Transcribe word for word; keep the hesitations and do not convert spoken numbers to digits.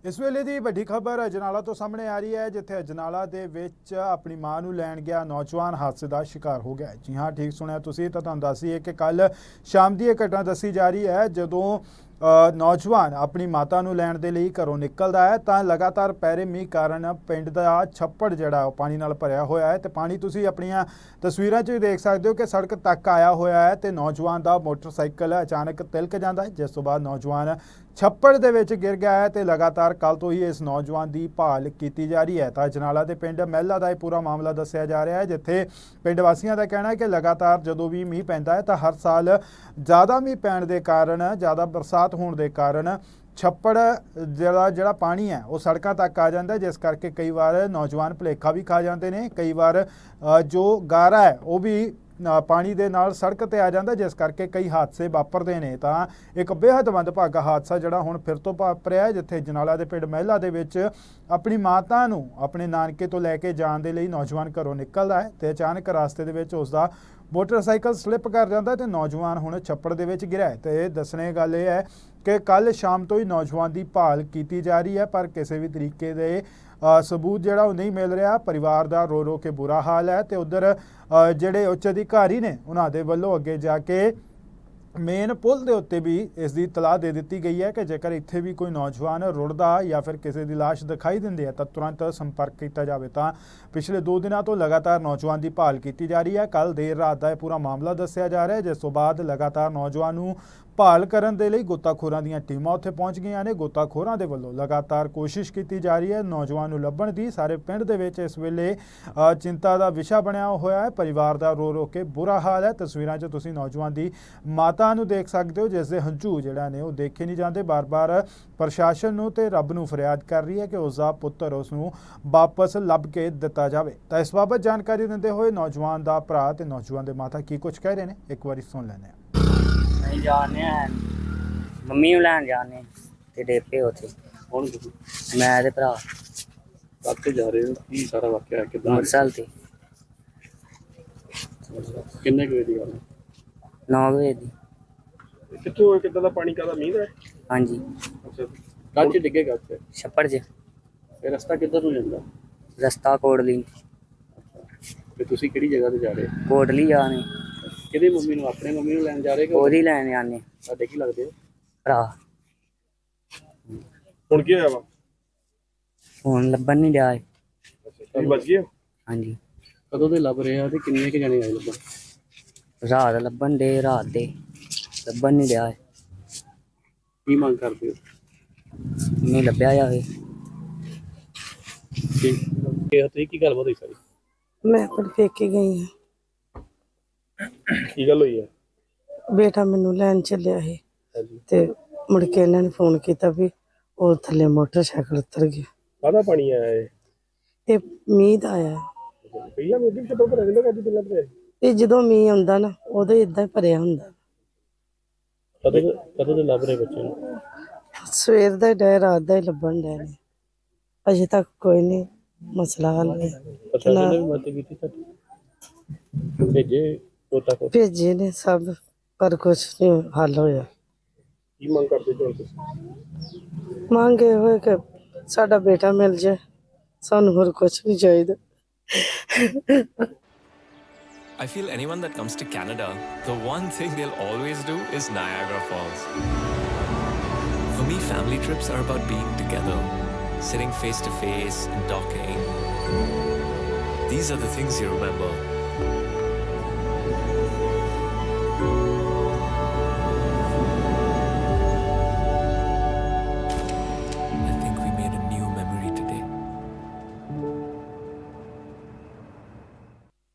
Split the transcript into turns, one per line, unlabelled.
ਇਸ ਵੇਲੇ ਦੀ ਵੱਡੀ ਖਬਰ ਅਜਨਾਲਾ ਤੋਂ ਸਾਹਮਣੇ ਆ ਰਹੀ ਹੈ, ਜਿੱਥੇ ਅਜਨਾਲਾ ਦੇ ਵਿੱਚ ਆਪਣੀ ਮਾਂ ਨੂੰ ਲੈਣ ਗਿਆ ਨੌਜਵਾਨ ਹਾਦਸੇ ਦਾ ਸ਼ਿਕਾਰ ਹੋ ਗਿਆ। ਜੀ ਹਾਂ, ਠੀਕ ਸੁਣਿਆ ਤੁਸੀਂ। ਤਾਂ ਤੁਹਾਨੂੰ ਦੱਸੀਏ ਕਿ ਕੱਲ ਸ਼ਾਮ ਦੀ ਇਹ ਘਟਨਾ ਦੱਸੀ ਜਾ ਰਹੀ ਹੈ, ਜਦੋਂ ਨੌਜਵਾਨ ਆਪਣੀ ਮਾਤਾ ਨੂੰ ਲੈਣ ਦੇ ਲਈ ਘਰੋਂ ਨਿਕਲਦਾ ਹੈ ਤਾਂ ਲਗਾਤਾਰ ਪੈ ਰਹੇ ਮੀਂਹ ਕਾਰਨ ਪਿੰਡ ਦਾ ਛੱਪੜ ਜਿਹੜਾ ਉਹ ਪਾਣੀ ਨਾਲ ਭਰਿਆ ਹੋਇਆ ਹੈ ਤੇ ਪਾਣੀ ਤੁਸੀਂ ਆਪਣੀਆਂ ਤਸਵੀਰਾਂ 'ਚ ਵੀ ਦੇਖ ਸਕਦੇ ਹੋ ਕਿ ਸੜਕ ਤੱਕ ਆਇਆ ਹੋਇਆ ਹੈ ਤੇ ਨੌਜਵਾਨ ਦਾ ਮੋਟਰਸਾਈਕਲ ਅਚਾਨਕ ਤਿਲਕ ਜਾਂਦਾ ਹੈ, ਜਿਸ ਤੋਂ ਬਾਅਦ ਨੌਜਵਾਨ ਛੱਪੜ ਦੇ ਵਿੱਚ ਗਿਰ ਗਿਆ ਹੈ ਤੇ ਲਗਾਤਾਰ ਕੱਲ ਤੋਂ ਹੀ ਇਸ ਨੌਜਵਾਨ ਦੀ ਭਾਲ ਕੀਤੀ ਜਾ ਰਹੀ ਹੈ। ਤਾਂ ਅਜਨਾਲਾ ਦੇ ਪਿੰਡ ਮਹਿਲਾ ਦਾ ਇਹ ਪੂਰਾ ਮਾਮਲਾ ਦੱਸਿਆ ਜਾ ਰਿਹਾ ਹੈ, ਜਿੱਥੇ ਪਿੰਡ ਵਾਸੀਆਂ ਦਾ ਕਹਿਣਾ ਹੈ ਕਿ ਲਗਾਤਾਰ ਜਦੋਂ ਵੀ ਮੀਂਹ ਪੈਂਦਾ ਹੈ ਤਾਂ ਹਰ ਸਾਲ ਜ਼ਿਆਦਾ ਮੀਂਹ ਪੈਣ ਦੇ ਕਾਰਨ, ਜ਼ਿਆਦਾ ਬਰਸਾਤ ਹੋਣ ਦੇ ਕਾਰਨ ਛੱਪੜ ਜਿਹੜਾ ਜਿਹੜਾ ਪਾਣੀ ਹੈ ਉਹ ਸੜਕਾਂ ਤੱਕ ਆ ਜਾਂਦਾ, ਜਿਸ ਕਰਕੇ ਕਈ ਵਾਰ ਨੌਜਵਾਨ ਭੁਲੇਖਾ ਵੀ ਖਾ ਜਾਂਦੇ ਨੇ। ਕਈ ਵਾਰ ਜੋ ਗਾਰਾ ਹੈ ਉਹ ਵੀ ਪਾਣੀ ਦੇ ਨਾਲ ਸੜਕ ਤੇ ਆ ਜਾਂਦਾ, ਜਿਸ ਕਰਕੇ ਕਈ ਹਾਦਸੇ ਵਾਪਰਦੇ ਨੇ। ਤਾਂ ਇੱਕ ਬੇਹੱਦ ਮੰਦਭਾਗਾ ਹਾਦਸਾ ਜਿਹੜਾ ਹੁਣ ਫਿਰ ਤੋਂ ਵਾਪਰਿਆ, ਜਿੱਥੇ ਅਜਨਾਲਾ ਦੇ ਪਿੰਡ ਮਹਿਲਾ ਦੇ ਵਿੱਚ ਆਪਣੀ ਮਾਤਾ ਨੂੰ ਆਪਣੇ ਨਾਨਕੇ ਤੋਂ ਲੈ ਕੇ ਜਾਣ ਦੇ ਲਈ ਨੌਜਵਾਨ ਘਰੋਂ ਨਿਕਲਦਾ ਹੈ ਤੇ ਅਚਾਨਕ ਰਸਤੇ ਦੇ ਵਿੱਚ ਉਸ ਦਾ ਮੋਟਰਸਾਈਕਲ ਸਲਿੱਪ ਕਰ ਜਾਂਦਾ ਤੇ ਨੌਜਵਾਨ ਹੁਣ ਛੱਪੜ ਦੇ ਵਿੱਚ ਗਿਰਿਆ ਹੈ। ਤੇ ਦੱਸਣੇ ਗੱਲ ਇਹ ਹੈ ਕਿ ਕੱਲ ਸ਼ਾਮ ਤੋਂ ਹੀ ਨੌਜਵਾਨ ਦੀ ਭਾਲ ਕੀਤੀ ਜਾ ਰਹੀ ਹੈ, ਪਰ ਕਿਸੇ ਵੀ ਤਰੀਕੇ ਦੇ ਸਬੂਤ ਜਿਹੜਾ ਉਹ ਨਹੀਂ ਮਿਲ ਰਿਹਾ। ਪਰਿਵਾਰ ਦਾ ਰੋ ਰੋ ਕੇ ਬੁਰਾ ਹਾਲ ਹੈ ਤੇ ਉਧਰ ਜਿਹੜੇ ਉੱਚ ਅਧਿਕਾਰੀ ਨੇ ਉਹਨਾਂ ਦੇ ਵੱਲੋਂ ਅੱਗੇ ਜਾ ਕੇ ਮੇਨ ਪੁਲ ਦੇ ਉੱਤੇ ਵੀ ਇਸ ਦੀ ਇਤਲਾਹ ਦੇ ਦਿੱਤੀ ਗਈ ਹੈ ਕਿ ਜੇਕਰ ਇੱਥੇ ਵੀ ਕੋਈ ਨੌਜਵਾਨ ਰੁੜਦਾ ਜਾਂ ਫਿਰ ਕਿਸੇ ਦੀ ਲਾਸ਼ ਦਿਖਾਈ ਦਿੰਦੀ ਹੈ ਤਾਂ ਤੁਰੰਤ ਸੰਪਰਕ ਕੀਤਾ ਜਾਵੇ। ਤਾਂ ਪਿਛਲੇ ਦੋ ਦਿਨਾਂ ਤੋਂ ਲਗਾਤਾਰ ਨੌਜਵਾਨ ਦੀ ਭਾਲ ਕੀਤੀ ਜਾ ਰਹੀ ਹੈ। ਕੱਲ ਦੇਰ ਰਾਤ ਦਾ ਇਹ ਪੂਰਾ ਮਾਮਲਾ ਦੱਸਿਆ ਜਾ ਰਿਹਾ ਹੈ, ਜਿਸ ਤੋਂ ਬਾਅਦ ਲਗਾਤਾਰ ਨੌਜਵਾਨ ਨੂੰ ਭਾਲ ਕਰਨ ਦੇ ਲਈ ਗੋਤਾਖੋਰਾਂ ਦੀਆਂ ਟੀਮਾਂ ਉੱਥੇ ਪਹੁੰਚ ਗਈਆਂ ਨੇ। ਗੋਤਾਖੋਰਾਂ ਦੇ ਵੱਲੋਂ ਲਗਾਤਾਰ ਕੋਸ਼ਿਸ਼ ਕੀਤੀ ਜਾ ਰਹੀ ਹੈ ਨੌਜਵਾਨ ਨੂੰ ਲੱਭਣ ਦੀ। ਸਾਰੇ ਪਿੰਡ ਦੇ ਵਿੱਚ ਇਸ ਵੇਲੇ ਚਿੰਤਾ ਦਾ ਵਿਸ਼ਾ ਬਣਿਆ ਹੋਇਆ ਹੈ। ਪਰਿਵਾਰ ਦਾ ਰੋ ਰੋ ਕੇ ਬੁਰਾ ਹਾਲ ਹੈ। ਤਸਵੀਰਾਂ 'ਚ ਤੁਸੀਂ ਨੌਜਵਾਨ ਦੀ ਮਾਤਾ ਨੂੰ ਦੇਖ ਸਕਦੇ ਹੋ, ਜਿਸ ਦੇ ਹੰਝੂ ਜਿਹੜਾ ਨੇ ਉਹ ਦੇਖੇ ਨਹੀਂ ਜਾਂਦੇ। ਬਾਰ-ਬਾਰ ਪ੍ਰਸ਼ਾਸਨ ਨੂੰ ਤੇ ਰੱਬ ਨੂੰ ਫਰਿਆਦ ਕਰ ਰਹੀ ਹੈ ਕਿ ਉਸ ਦਾ ਪੁੱਤਰ ਉਸ ਨੂੰ ਵਾਪਸ ਲੱਭ ਕੇ ਦਿੱਤਾ ਜਾਵੇ। ਤਾਂ ਇਸ ਬਾਬਤ ਜਾਣਕਾਰੀ ਦਿੰਦੇ ਹੋਏ ਨੌਜਵਾਨ ਦਾ ਭਰਾ ਤੇ ਨੌਜਵਾਨ ਦੇ ਮਾਤਾ ਕੀ ਕੁਝ ਕਹਿ ਰਹੇ ਨੇ, ਇੱਕ ਵਾਰੀ ਸੁਣ ਲੈਂਦੇ ਹਾਂ।
नहीं जाने मम्मी ਨੂੰ ਲੈਣ ਜਾਣੇ ਤੇ ਡੇਪੇ ਉੱਥੇ
ਕੌਣ ਤੁਸੀਂ?
ਮੈਂ ਤੇ ਭਰਾ
ਕਾਹਤੇ ਜਾ ਰਹੇ ਹੋ? ਕੀ ਸਾਰਾ ਵਾਕਿਆ ਹੈ? ਕਿੱਦਾਂ?
ਮੋਟਰਸਾਈਕਲ ਤੇ
ਕਿੰਨੇ ਕੁ ਵਜੇ ਦੀ ਗੱਲ ਹੈ?
ਨੌ ਵਜੇ ਦੀ।
ਕਿੱਥੋਂ ਕਿੱਦਾਂ ਦਾ ਪਾਣੀ ਕਾਹਦਾ ਮੀਂਹ ਦਾ?
ਹਾਂਜੀ,
ਅੱਛਾ, ਕੱਲ ਚ ਡਿੱਗੇਗਾ ਉੱਥੇ?
ਛੱਪੜ 'ਚ।
ਇਹ ਰਸਤਾ ਕਿੱਧਰ ਨੂੰ ਜਾਂਦਾ?
ਰਸਤਾ ਕੋਟਲੀ।
ਤੇ ਤੁਸੀਂ ਕਿਹੜੀ ਜਗ੍ਹਾ ਤੇ ਜਾ ਰਹੇ ਹੋ?
ਕੋਟਲੀ ਜਾਣੇ।
ਕਿਹਦੀ ਮੰਮੀ ਨੂੰ? ਆਪਣੇ ਮੰਮੀ ਨੂੰ ਲੈਣ ਜਾ ਰਹੇ ਕਿ
ਉਹਦੀ ਲੈਣ ਜਾਣੇ।
ਸਾਡੇ ਕੀ ਲੱਗਦੇ?
ਭਰਾ।
ਹੁਣ ਕੀ ਹੋਇਆ ਵਾ?
ਹੁਣ ਲੱਭਣ ਨਹੀਂ ਡਿਆ।
ਤੁਸੀਂ ਬਚ ਗਏ?
ਹਾਂਜੀ।
ਕਦੋਂ ਦੇ ਲੱਭ ਰਹੇ ਆ ਤੇ ਕਿੰਨੇ ਕੁ ਜਣੇ ਆਏ ਲੱਭਣ?
ਰਾਤ ਲੱਭਣ ਦੇ, ਰਾਤ ਦੇ ਲੱਭਣ ਨਹੀਂ ਡਿਆ।
ਕੀ ਮੰਗ ਕਰਦੇ ਹੋ?
ਨਹੀਂ ਲੱਭਿਆ ਜਾਵੇ।
ਠੀਕ ਹੈ। ਤੁਸੀਂ ਕੀ ਗੱਲਬਾਤ ਹੋਈ ਸਾਰੀ?
ਮੈਂ ਆਪਣੇ ਪੇਕੇ ਗਈ ਹਾਂ।
ਕੀ ਗੱਲ ਹੋਈ ਹੈ?
ਬੇਟਾ ਮੈਨੂੰ ਲੈਣ ਚੱਲਿਆ ਸੀ
ਹਾਂਜੀ।
ਤੇ ਮੁੜ ਕੇ ਇਹਨਾਂ ਨੇ ਫੋਨ ਕੀਤਾ ਵੀ ਉਹ ਥੱਲੇ ਮੋਟਰਸਾਈਕਲ ਉਤਰ ਗਿਆ।
ਕਾਹਦਾ ਪਾਣੀ ਆਇਆ ਇਹ?
ਇਹ ਮੀਂਹ ਦਾ ਆਇਆ।
ਪਹਿਲਾਂ ਮੋਦੀ ਵਿੱਚ ਤੋਂ ਭਰਿਆ ਰਹਿੰਦਾ ਕਦੀ ਪਹਿਲਾਂ ਭਰਿਆ?
ਇਹ ਜਦੋਂ ਮੀਂਹ ਆਉਂਦਾ ਨਾ ਉਦੋਂ ਇਦਾਂ ਹੀ ਭਰਿਆ ਹੁੰਦਾ।
ਕਦੋਂ ਦੇ- ਕਦੋਂ ਦੇ ਲੱਭ ਰਹੇ ਬੱਚੇ ਨੂੰ?
ਸਵੇਰ ਦਾ ਹੀ ਡੈ, ਰਾਤ ਦਾ ਹੀ ਲੱਭਣ ਡੈ ਨੇ। ਅਜੇ ਤੱਕ ਕੋਈ ਨਹੀਂ ਮਸਲਾ ਹੱਲ ਨਹੀਂ।
ਪ੍ਰਸ਼ਾਸਨ ਨੇ ਵੀ ਮਦਦ ਕੀਤੀ ਸਾਡੀ? ਭੇਜੇ ਕੋਤਾ ਕੋ?
ਭੇਜੇ ਨੇ ਸਭ, ਪਰ ਕੁਛ ਨਹੀਂ ਹੱਲ ਹੋਇਆ।
ਕੀ ਮੰਗ ਕਰਦੇ ਜੋ ਤੁਸੀਂ?
ਮੰਗੇ ਹੋਏ ਕਿ ਸਾਡਾ ਬੇਟਾ ਮਿਲ ਜਾਏ, ਸਾਨੂੰ ਹੋਰ ਕੁਛ ਨਹੀਂ ਚਾਹੀਦਾ।
I feel anyone that comes to Canada, the one thing they'll always do is Niagara Falls. For me, family trips are about being together, sitting face to face and talking. These are the things you remember.